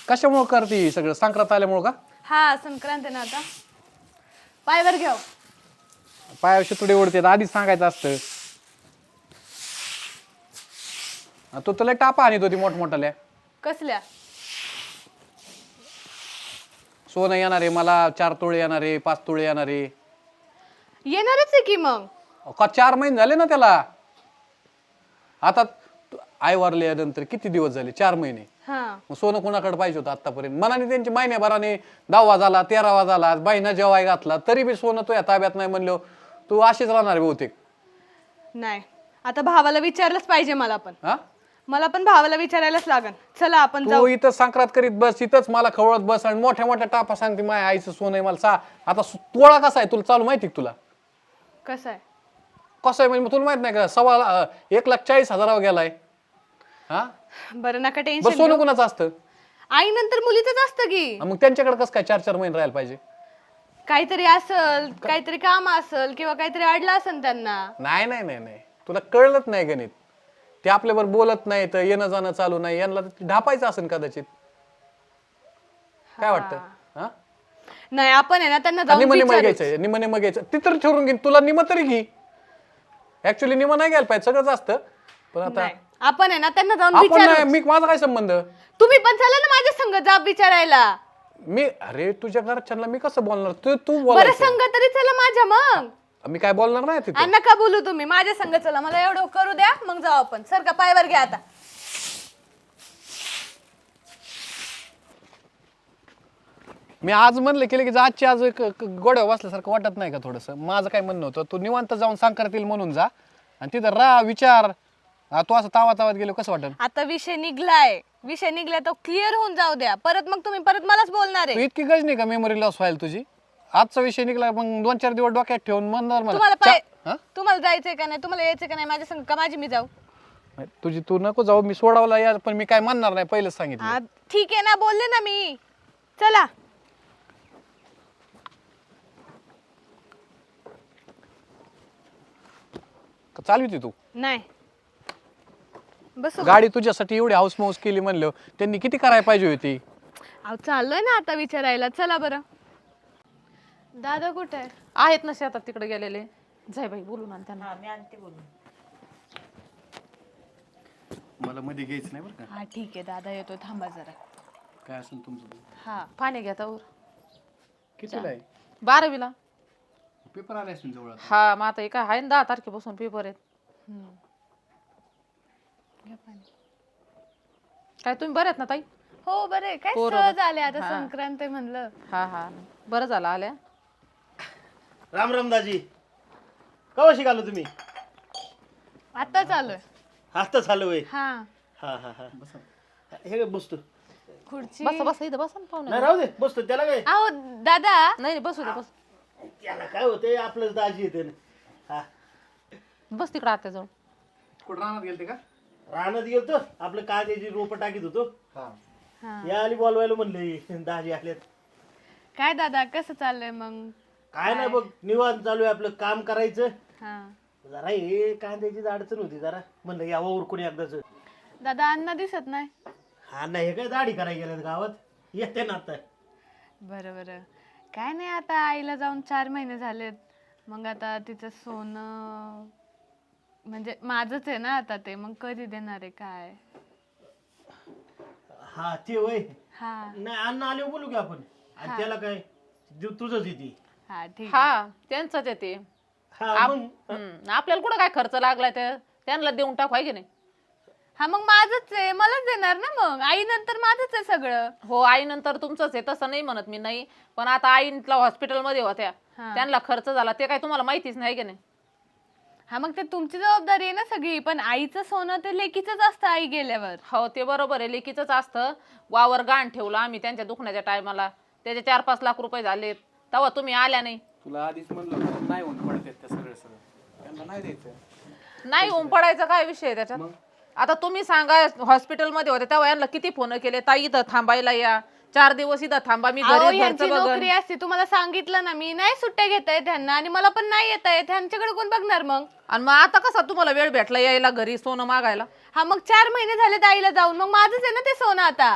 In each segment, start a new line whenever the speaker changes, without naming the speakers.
कशामुळे करते सगळं संक्रांत आल्यामुळं का?
हा संक्रांत आहे ना आता. पायवर घ्याव.
पायाविषयी तुडे ओढते आधीच सांगायचं असतं. तो तुला टापा आणि होती मोठमोठाल्या.
कसल्या?
सोनं येणार आहे मला, 4 तोळे येणार आहे, 5 तोळे येणार आहे.
येणारच आहे की मग.
का 4 महिने झाले ना त्याला. आता आई वारल्यानंतर किती दिवस झाले? 4 महिने.
हा
मग सोनं कोणाकडे पाहिजे होतं आतापर्यंत? मनाने त्यांची महिन्याभराने 10वा झाला, 13वा झाला, बाईना जेवाय घातला तरी बी सोनं तो या ताब्यात नाही म्हणलं तू अशीच राहणार बहुतेक.
नाही आता भावाला विचारलंच पाहिजे मला पण.
हा
मला पण भावाला विचारायलाच लागन. चला आपण
तू
जाऊ.
इथं संक्रांत करीत बस, इथंच मला खवळत बस आणि मोठ्या मोठ्या टापा सांगते माझ्या आईचं सोनं आहे मला आता तोळा कसा आहे तुला चालू माहिती का तुला?
कसं आहे?
कसं आहे म्हणजे तुला माहित नाही का? 1,40,000 गेलाय. हा
बरं नका
बस
टेन्शन
सोनं कुणाचं असतं?
आई नंतर मुलीचंच असतं की.
मग त्यांच्याकडे कसं काय 4-4 महिने राहायला पाहिजे?
काहीतरी असल, काहीतरी काम असल किंवा काहीतरी अडलं असेल त्यांना.
नाही नाही नाही नाही तुला कळलंच नाही गणित. ते आपल्यावर बोलत नाही तर येणं जाणं चालू नाही, यांना ढापायचं असेल कदाचित. काय वाटतं? हा
नाही आपण आहे ना त्यांना जाऊन
निम
विचारूच.
घ्यायचं, निम घ्यायचं ती तर ठरवून घेईन. तुला निम तरी घे. ऍक्च्युली निम नाही घ्यायला पाहिजे, सगळंच असतं पण आता
नाही, आपण आहे ना त्यांना जाऊन
आपण
विचारू.
नाही, मी माझा काय संबंध?
तुम्ही पण चला ना माझ्या संग जाब विचारायला.
मी अरे तुझ्या घरच्यांना मी कसं बोलणार? तू तू
बरं
बोलायचं.
संग तरी चला माझ्या मग.
मी काय बोलणार नाही तिथे.
आणि नका बोलू तुम्ही माझ्या संग चला. मला एवढं करू द्या मग जाऊ आपण. सर का पायवर घ्या आता.
मी आज म्हणलं केलं की आजची आज गोड्या वाचल्यासारखं वाटत नाही का थोडंसं? माझं काय म्हणणं होतं, तू निवांत जाऊन संक्रांत येईल म्हणून जा आणि तिथं राहा विचार. तू असं तावात गेलो कसं वाटत?
आता विषय निघलाय. विषय निघलाय तो क्लिअर होऊन जाऊ द्या. परत मग तुम्ही परत मलाच बोलणार
तू
आहे.
इतकी गज नाही का मेमरी लॉस व्हायला तुझी? आजचा विषय निघला मग 2-4 दिवस डोक्यात ठेवून म्हणणार
तुम्हाला
मला
तुम्हाला जायचंय का नाही? तुम्हाला यायचंय का नाही माझ्या संग? का माझी मी जाऊ?
तुझी तू नको जाऊ, मी सोडावला या पण मी काय म्हणणार नाही, पहिलेच सांगितलं.
हा ठीक आहे ना, बोलले ना मी. चला
चालू होती तू
नाही बस.
गाडी तुझ्यासाठी एवढी हाऊस माऊस केली म्हणलं त्यांनी किती करायला पाहिजे होती.
अहो चाललोय ना आता विचारायला. चला बरं. दादा कुठे आहे?
आहेत ना शेतात तिकडे गेलेले. जाय बाई बोलून आण त्यांना.
मी आणते बोलून.
मला मध्ये घ्यायचं नाही बरं का?
हा ठीक आहे दादा येतो, थांबा जरा.
काय असेल तुमचं?
हा
पाणी घ्या तर.
कितीला आहे?
12वीला.
पेपर आले असेल जवळ.
हा मग आता हे काय आहे ना 10 तारखेपासून पेपर आहेत.
घ्या पाणी.
काय तुम्ही बरे आहेत ना ताई?
हो बरे. काय
पोरं
सहज आले आता.
हा.
संक्रांत आहे म्हणलं.
हा हा बरं झालं आल्या.
राम राम दाजी. कवा शिकालो तुम्ही?
आता चालूय.
आता चालू आहे.
हा
हा हा हा हे काय बसतो?
खुर्ची.
बस बस इथं बसा ना पाहुणे.
नाही राहू दे, बसतो. त्याला काय?
अहो दादा.
नाही बसू दे बस.
त्याला काय होते, आपलंच दाजी येते ना. हा
बस तिकडे आत्या जाऊन.
कुठं राहणार गेलते का?
रानात गेलतो, आपलं कांद्याची रोपं टाकीत होतो.
हा.
या आली बोलवायला म्हणले दाजी आल्यात.
काय दादा कसं चाललंय मग?
काय नाही बघ, निवांत चालू आहे आपलं काम करायचं.
हा
जरा हे कांद्याचीच अडचण होती जरा. म्हणलं यावं उरकून एकदाच.
दादा अण्णा दिसत नाही.
हा नाही, हे काय दाढी करायला गेल्यात गावात. येते ना आता.
बरं बरं. काय नाही आता आईला जाऊन 4 महिने झालेत. मग आता तिचं सोनं म्हणजे माझंच आहे ना आता ते. मग कधी देणार आहे काय?
हा ते वय.
हा
नाही अन्न आले बोलू की आपण. आणि त्याला काय तुझंच येते.
हा ठीक आहे.
हा त्यांचंच आहे ते.
हा मग
आपल्याला कुठं काय खर्च लागलाय ते त्यांना देऊन टाकू आहे की नाही?
हा मग माझंच आहे, मलाच देणार ना. मग आई नंतर माझंच आहे सगळं.
हो आई नंतर तुमचंच आहे तसं नाही म्हणत मी नाही. पण आता आईला हॉस्पिटलमध्ये होत्या
हा.
त्यांना खर्च झाला ते काय तुम्हाला माहितीच नाही की नाही?
हा मग ते तुमची जबाबदारी आहे ना सगळी. पण आईचं सोनं ते लेकीचंच असतं आई गेल्यावर.
हो ते बरोबर आहे, लेकीचंच असतं. वावर गाण ठेवलं आम्ही त्यांच्या दुखण्याच्या टायमाला. त्याचे 4-5 लाख रुपये झालेत. तेव्हा तुम्ही आल्या नाही.
तुला आधीच म्हणलं नाही होऊन पडतात त्या सगळं त्यांना नाही द्यायचं.
नाही पडायचा काय विषय आहे त्याच्यात? आता तुम्ही सांगा हॉस्पिटलमध्ये होते तेव्हा यांना किती फोन केले, ताई इथं थांबायला या, 4 दिवस इथं थांबा, मी
अहो,
घरी
ह्यांची
घरचं बघन.
नोकरी असते. तुम्हाला सांगितलं ना मी. नाही सुट्ट्या घेता येत ह्यांना आणि मला पण नाही येता येत. ह्यांच्याकडे कोण बघणार मग?
आणि मग आता कसा तुम्हाला वेळ भेटला यायला घरी सोनं मागायला?
हा मग 4 महिने झाले आईला जाऊन. मग माझंच आहे ना ते सोनं आता.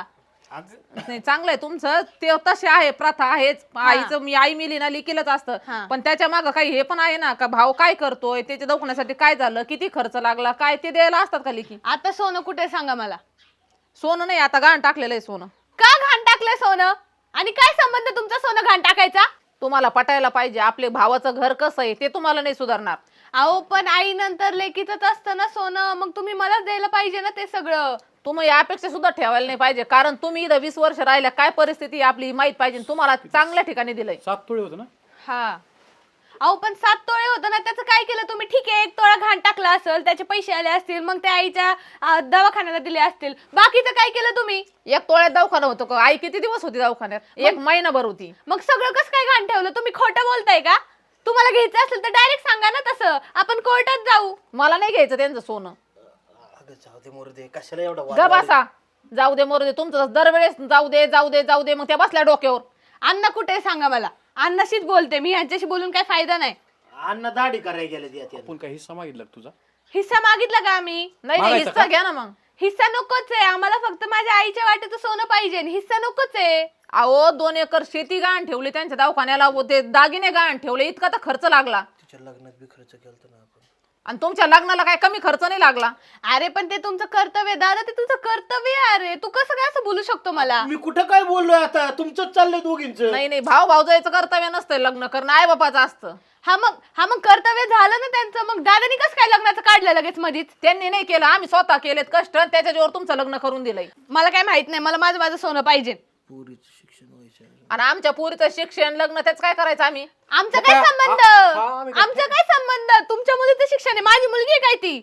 नाही चांगलं आहे तुमचं ते तसे आहे प्रथा आहेच आईचं मी आई मिली ना लिखीलच
हा.
असतं पण त्याच्या मागं काही हे पण आहे ना का भाव काय करतोय त्याच्या दवाखान्यासाठी काय झालं किती खर्च लागला काय ते द्यायला असतात का लिखी
आता सोनं कुठे सांगा मला.
सोनं नाही आता गाण टाकलेलं आहे सोनं
का घाण टाकलंय सोनं आणि काय संबंध तुमचा सोनं घाण टाकायचा.
तुम्हाला पटायला पाहिजे आपले भावाचं घर कसं आहे ते तुम्हाला नाही सुधारणार.
अहो पण आई नंतर लेकीचंच असतं ना सोनं मग तुम्ही मलाच द्यायला पाहिजे ना ते सगळं.
तुम्ही यापेक्षा सुद्धा ठेवायला नाही पाहिजे कारण तुम्ही इथं 20 वर्ष राहिल्या काय परिस्थिती आहे आपली माहित पाहिजे तुम्हाला चांगल्या ठिकाणी दिलंय.
7 तोळे होतं ना.
हा अहो पण 7 तोळे होतं ना त्याचं काय केलं तुम्ही. ठीक आहे 1 तोळा घाण टाकला असेल त्याचे पैसे आले असतील मग त्या आईच्या दवाखान्याला दिले असतील बाकीचं काय केलं तुम्ही.
1 तोळ्यात दवाखाना होतो का आई किती दिवस होती दवाखान्यात 1 महिनाभर होती.
मग सगळं कसं काय घाण ठेवलं तुम्ही खोटं बोलताय का. तुम्हाला घ्यायचं असेल तर डायरेक्ट सांगा ना तसं आपण कोर्टात जाऊ.
मला नाही घ्यायचं त्यांचं सोनं.
अगं जाऊ दे मोरू दे कशाला एवढा वाद
ग
वाढवला?
बसा जाऊ दे मरू दे तुमचं दरवेळेस जाऊ दे जाऊ दे जाऊ दे मग त्या बसल्या डोक्यावर.
अण्णा कुठे सांगा मला. अण्णाशीच बोलते मी ह्यांच्याशी बोलून काय फायदा नाही.
अण्णा दाढी करायला गेले त्यात
आपण काही हिस्सा मागितला का तुझा.
हिस्सा मागितला का आम्ही.
नाही नाही,
मागायचं
हिस्सा
का?
घ्या ना मग.
हिस्सा नकोच आहे आम्हाला फक्त माझ्या आईच्या वाट्याचं सोनं पाहिजे हिस्सा नकोच आहे.
अहो 2 एकर शेती गहाण ठेवली त्यांच्या दवाखान्याला व ते दागिने गहाण ठेवले इतका तर खर्च लागला
तिच्या लग्नात बी खर्च केलता ना आपण.
आणि तुमच्या लग्नाला काय कमी खर्च नाही लागला.
अरे पण ते तुमचं कर्तव्य दादा ते तुझं कर्तव्य आहे. अरे तू कसं काय असं बोलू शकतो मला.
मी कुठं काय बोललोय आता तुमचंच चाललंय दोघींचं.
नाही नाही भाऊ भाऊजाईचं कर्तव्य नसतं लग्न करणं आई बापाचं असतं.
हा मग कर्तव्य झालं ना त्यांचं मग दादानी कसं काय लग्नाचं काढलं लगेच मधीच.
त्यांनी नाही केलं आम्ही स्वतः केलेत कष्ट त्याच्या जोर तुमचं लग्न करून दिलंय.
मला काय माहित नाही मला माझं सोनं पाहिजे.
पोरीचं शिक्षण व्हायचं.
आणि आमच्या पुरीचं शिक्षण लग्न त्याच काय करायचं आम्ही.
आमचा काय संबंध आमचा काय संबंध तुमच्या मुलीचं शिक्षण आहे माझी मुलगी आहे काय ती.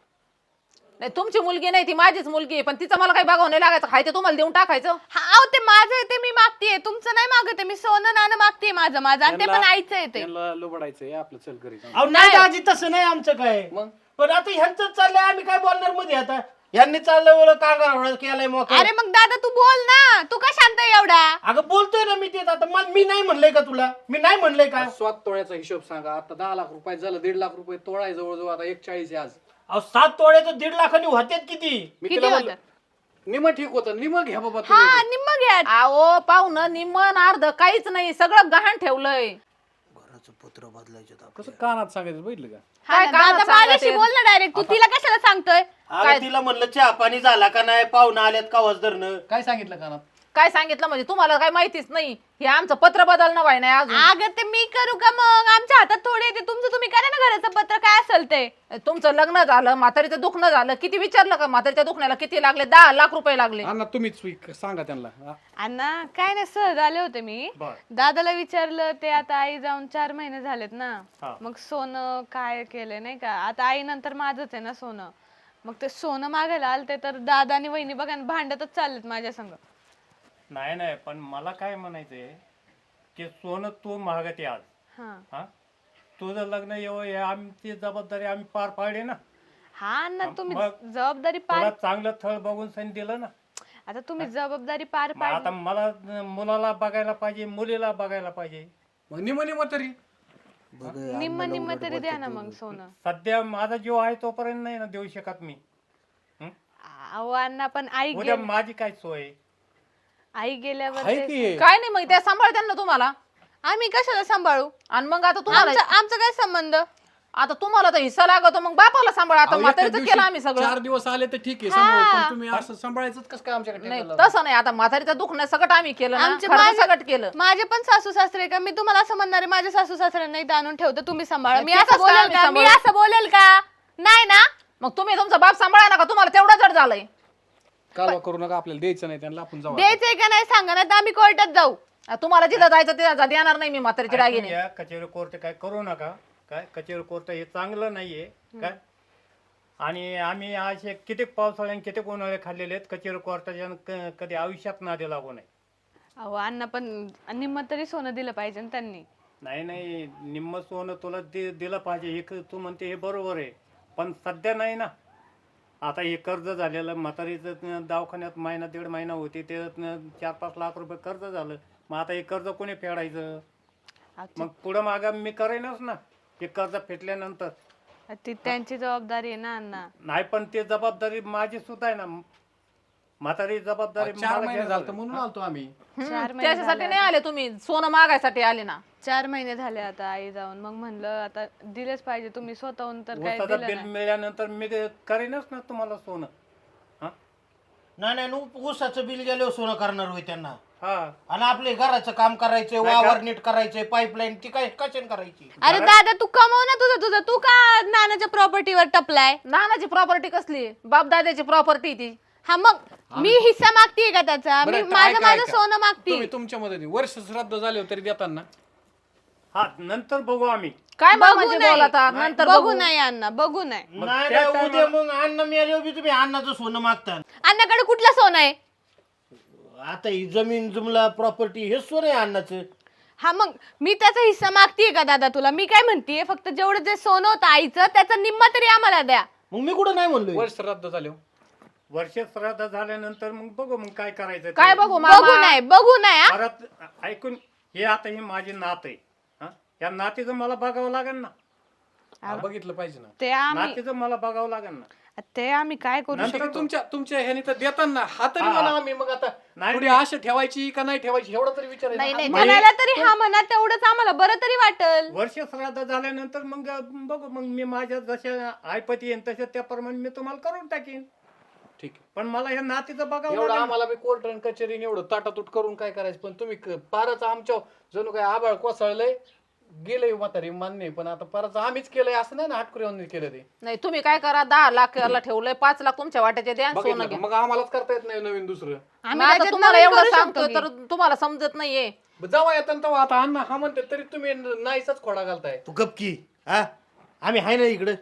नाही तुमची मुलगी नाही ती माझीच मुलगी आहे पण तिचं मला काही बघावं नाही लागायचं खायचं तुम्हाला देऊन टाकायचं.
हा अहो ते माझं आहे ते मी मागतेय तुमचं नाही मागते मी सोनं नाणं मागतेय माझं आणि ते पण आईचं आहे ते.
त्यांना लुबडायचंय आपलं चल घरी जाऊ.
अहो नाही दाजी तसं नाही आमचं काय.
मग?
पण आता ह्यांचं चाललंय आम्ही काय बोलणार मध्ये आता. ह्यांनी चाललंय कांगार केलाय मोका.
अरे मग दादा तू बोल ना तू का शांत आहे एवढा.
अगं बोलतोय ना मी तेच आता मी नाही म्हणलंय का तुला मी नाही म्हणलंय का.
7 तोळ्याचा हिशोब सांगा आता 10 लाख रुपये झालं 1.5 लाख रुपये तोळा आहे जवळजवळ आता 1.40 आहे आज.
अहो 7 तोळ्याचं 1.5 लाखांनी होत्यात किती.
मी
किती
तिला म्हणलं
होतं?
निम ठीक होतं निम घ्या बाबा
हा
तुम्ही.
निम्म घ्या.
अहो पाहुणं निम्मन अर्ध काहीच नाही सगळं गहाण ठेवलंय.
घराचं पत्र बदलायचं
कसं कानात सांगायचं बघितलं का.
हा
काय
ना,
कानात
दादा माझ्याशी
सांगते?
बोल ना डायरेक्ट तू तिला कशाला सांगतोय.
अगं तिला म्हणलं चहा पाणी झाला का नाही पाहुणा आल्यात का वजदरनं.
काय सांगितलं कानात.
काय सांगितलं म्हणजे तुम्हाला काय माहितीच नाही हे आमचं पत्र बदलणं व्हाय नाही अजून.
अगं ते मी करू का मग आमच्या हातात थोडे येते तुमचं तुम्ही करा ना घराचं पत्र काय असेल ते.
तुमचं लग्न झालं म्हातारीचं दुखणं झालं किती विचारलं का म्हातारीच्या दुखण्याला किती लागले 10 लाख रुपये लागले.
अण्णा तुम्हीच सांगा त्यांना हा.
अण्णा काय नाही सहज आले होते मी दादाला विचारलं ते आता आई जाऊन 4 महिने झालेत ना मग सोनं काय केलंय नाही का आता आई नंतर माझंच आहे ना सोनं मग ते सोनं मागायला आलते तर दादा आणि वहिनी बघा ना, भांडतच चाललेत माझ्या संग.
नाही नाही पण मला काय म्हणायचंय की सोनं तू महागते आज
हा
हा तुझं लग्न हे आमची जबाबदारी आम्ही पार पाडली ना.
हा ना तुम्ही
मग
जबाबदारी
तुला
पार
चांगलं थळ बघून सण दिलं ना.
आता तुम्ही जबाबदारी पार
मग आता
पाड.
मला मुलाला बघायला पाहिजे मुलीला बघायला पाहिजे.
मग निम तरी
निम्म निम्म तरी द्या ना मग सोनं.
सध्या माझा जीव आहे तोपर्यंत नाही ना देऊ शकत मी.
अहो अण्णा पण
उद्या माझी काय सोय.
आई गेल्यावर
आहे
ते-
की
काय नाही मग त्या सांभाळत्या ना तुम्हाला.
आम्ही कशाला सांभाळू.
आणि मग आता तुम्हाला
आमचा काय संबंध.
आता तुम्हाला तर हिस्सा लागतो मग बापाला सांभाळ. आता
अहो, एका
म्हातारीचं
दिवशी
केलं आम्ही सगळं.
4 दिवस आले तर ठीक आहे सांभाळू, पण तुम्ही असं सांभाळायचं कसं काय आमच्याकडे
नाही
टेबलला?
तसं नाही आता म्हातारीचं दुखणं सगळं आम्ही केलं ना
आमचे
खर्च सगळं केलं.
माझे पण सासू सासरे का मी तुम्हाला असं म्हणणार आहे माझ्या सासू सासऱ्यांना इथं आणून ठेवतो तुम्ही सांभाळा. मी
ते
असं
कसं
बोलेल
आम्ही
का मी
सांभाळू?
असं बोलेल का नाही ना.
मग तुम्ही तुमचा बाप सांभाळा ना का तुम्हाला तेवढं जड झालंय.
कालवा करू नका आपल्याला द्यायचं नाही त्यांना आपण जाऊ.
द्यायचंय का नाही सांगा ना तर आम्ही कोर्टात जाऊ.
तुम्हाला जिथं जायचं तिथं देणार नाही मी म्हातारीची दागिने.
या कचेरी कोर्ट काय करू नका. काय कचेरी कोर्ट हे चांगलं नाहीये काय. आणि आम्ही असे किती पावसाळ्याने किती उन्हाळे खाल्लेले आहेत कचेरी कोर्टाच्या कधी आयुष्यात नादी लागू नये.
अहो अण्णा पण निम्म तरी सोनं दिलं पाहिजे ना त्यांनी.
नाही नाही निम्म सोनं तुला दिलं पाहिजे हे तू म्हणते हे बरोबर आहे पण सध्या नाही ना. आता हे कर्ज झालेलं म्हातारीचं दवाखान्यात महिना 1.5 महिना होते ते 4-5 लाख रुपये कर्ज झालं. मग आता हे कर्ज कोणी फेडायचं. मग पुढं मागं मी करेनच ना हे कर्ज फेटल्यानंतर.
ती त्यांची जबाबदारी आहे ना अण्णा.
नाही पण ते जबाबदारी माझी सुद्धा आहे ना. म्हातारी जबाबदारी
4
मला
महिने
घ्यायला
झालं
लागेल.
म्हणून आलतो आम्ही.
4 महिने
त्याच्यासाठी नाही आले तुम्ही, सोनं मागायसाठी आले ना.
4 महिने झाले आता आई जाऊन. मग म्हणलं आता दिलेच पाहिजे, तुम्ही स्वतःहून तर काय
ऊसाचं
दिलं
बिल
नाही.
मिळाल्यानंतर मी ते करीनच ना तुम्हाला सोनं. हा
नाही ऊसाचं बिल गेल्यावर सोनं करणार होय त्यांना.
हा
आणि आपले घराचं काम करायचंय, वावर नीट करायचंय, पाईपलाईन ती काय कशाने करायची?
अरे दादा तू कमव ना तुझं तू का नानाच्या प्रॉपर्टीवर टपलाय?
नानाची प्रॉपर्टी कसली? बाप दादाची प्रॉपर्टी ती.
हा मग मी हिस्सा मागतीये का त्याचा? मी
बरं,
माझं
ऐका,
माझं
ऐका.
सोनं मागती.
तुम्ही तुमच्या मदतीने वर्ष श्राद्ध झाले तरी देताना
हा नंतर बघू आम्ही.
काय
बघू
म्हणजे
नाही.
बोलता नंतर
बघू नाही अण्णा, बघू नाही.
नाही
त्या
नाही, उद्या मग अन्न मिळाल्यावर बी तुम्ही अन्नाचं सोनं मागता.
अण्णाकडे कुठलं सोनं आहे?
आता ही जमीन जुमला प्रॉपर्टी हे सोनं आहे अन्नाचं.
हा मग मी त्याचा हिस्सा मागतीये का दादा तुला? मी काय म्हणतीये, फक्त जेवढं जे सोनं होतं आईचं त्याचा निम्मा तरी आम्हाला द्या.
मग मी कुठं नाही म्हणलोय.
वर्ष श्राद्ध झाले
वर्ष श्राद्ध झाल्यानंतर मग बघू मग काय करायचं ते.
काय बघू
बघू
मामा?
नाही बघू नाही हा?
परत ऐकून हे आता ही माझी नात आहे. हा? या नातीचं मला बघावं लागेल ना.
बघितलं पाहिजे ना.
ते आम्ही
नातीचं मला बघावं लागेल ना.
काय करू
नंतर
शकतो?
तुमच्या ह्याने तर देताना हा तरी म्हणा आम्ही मग आता
नाही,
थोडी आशा ठेवायची का नाही ठेवायची एवढा तरी विचारायचं.
नाही नाही म्हणायला तरी हा म्हणा, तेवढंच आम्हाला बरं तरी वाटल.
वर्ष श्राद्ध झाल्यानंतर मग बघू मग मी माझ्या जशा आयपती येईन तशा त्याप्रमाणे मी तुम्हाला करून टाकीन.
ठीक आहे.
पण मला हे नातीचं बघावं
एवढं
लागेल.
आम्हाला बी कोर्ट आणि कचेरीने एवढं ताटातूट करून काय करायचं, पण तुम्ही फारच आमच्या जणू काय आबाळ कोसळलंय गेलंय म्हातारी मान्य आहे, पण आता फारच आम्हीच केलंय असं नाही ना, हाटकुऱ्यांनी केलं ते.
नाही तुम्ही काय करा, 10 लाख याला ठेवलंय, 5 लाख तुमच्या वाट्याचे द्या आणि
बघितलं
सोनं
का?
घ्या.
मग आम्हालाच करता येत नाही नवीन दुसरं.
आम्ही
मग आता
त्याच्यात
तुम्हाला
नवीन
एवढं
करू शकतो
सांगतो
की.
तर तुम्हाला समजत नाहीये.
जेव्हा येतात तेव्हा आता अण्णा हा म्हणते तरी तुम्ही नाहीचाच खोडा घालताय.
तू गपकी. हा आम्ही आहे ना इकडं.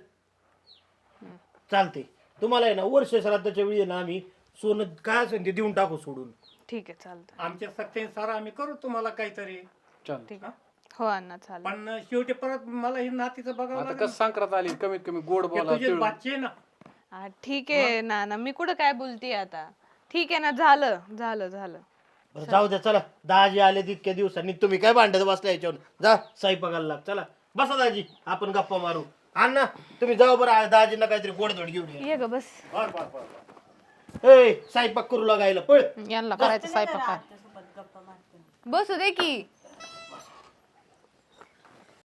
चालते तुम्हाला आहे ना वर्ष श्राद्धाच्या वेळी आहे ना आम्ही सोनं काय असेल ते देऊन टाकू सोडून.
ठीक आहे चालतं.
आमच्या सत्तेने सारा आम्ही करू तुम्हाला काहीतरी.
चल
ठीक आहे. हो अण्णा चालेल.
पण शेवटी परत मला हे नातीचं बघावं
आता
लागेल.
कसं संक्रांत आली, कमीत कमी गोड
हे
बोला.
तुझे
तिळगुळ.
बाच्चे आहे ना.
हा, ठीक आहे नाना, मी कुठं काय बोलतीये आता. ठीक आहे ना, झालं झालं झालं.
बरं जाऊ द्या चला. दाजी आले तितक्या दिवसांनी तुम्ही काय भांडत बसला याच्यावर. जा स्वयंपाकाला लाग. चला बसा दाजी, आपण गप्पा मारू. अण्णा तुम्ही जाऊ बरं, दाजींना काहीतरी गोडधोड घेऊन या.
ये ग बस.
बर बर बर.
ए स्वयंपाक करू लागायला पळ.
यांना करायचं स्वयंपाक.
बसू दे की.